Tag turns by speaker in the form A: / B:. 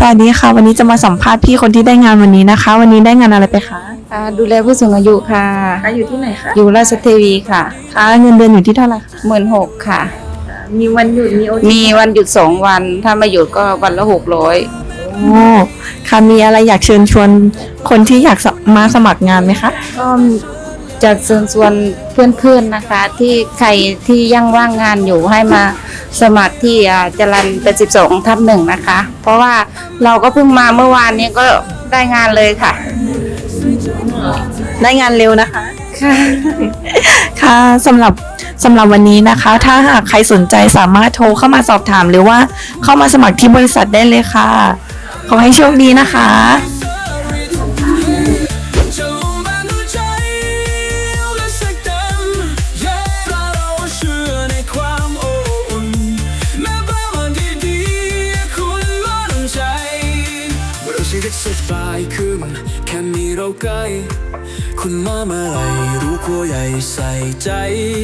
A: สวัสดีค่ะวันนี้จะมาสัมภาษณ์พี่คนที่ได้งานวันนี้นะคะ วันนี้ได้งานอะไรไปคะ
B: ดูแลผู้สูงอายุค่ะ
A: อยู่ที่ไหนคะ
B: อยู่ราชเทวีค่ะ
A: เงินเดือนอยู่ที่เท่าไหร่คะ
B: 16,000ค่ะ
A: มีวันหยุด
B: มีวันหยุด2 วันถ้าไม่หยุดก็วันละ600
A: โอ้ค่ะมีอะไรอยากเชิญชวนคนที่อยากมาสมัครงานไหมคะ
B: ก็จะเชิญชวนเพื่อนๆนะคะที่ใครที่ยังว่างงานอยู่ให้มาสมัครที่จรัญ82/1นะคะเพราะว่าเราก็เพิ่งมาเมื่อวานนี้ก็ได้งานเลยค่ะ
A: ได้งานเร็วนะคะ
B: ค่ะ
A: ค่ะสำหรับวันนี้นะคะ ถ้าหากใครสนใจสามารถโทรเข้ามาสอบถามหรือว่าเข้ามาสมัครที่บริษัทได้เลยค่ะขอให้โชคดีนะคะ
C: ชีวิตสบายขึ้นแค่มีเราใกล้คุณมาเมื่อไหร่รู้กลัวใหญ่ใส่ใจ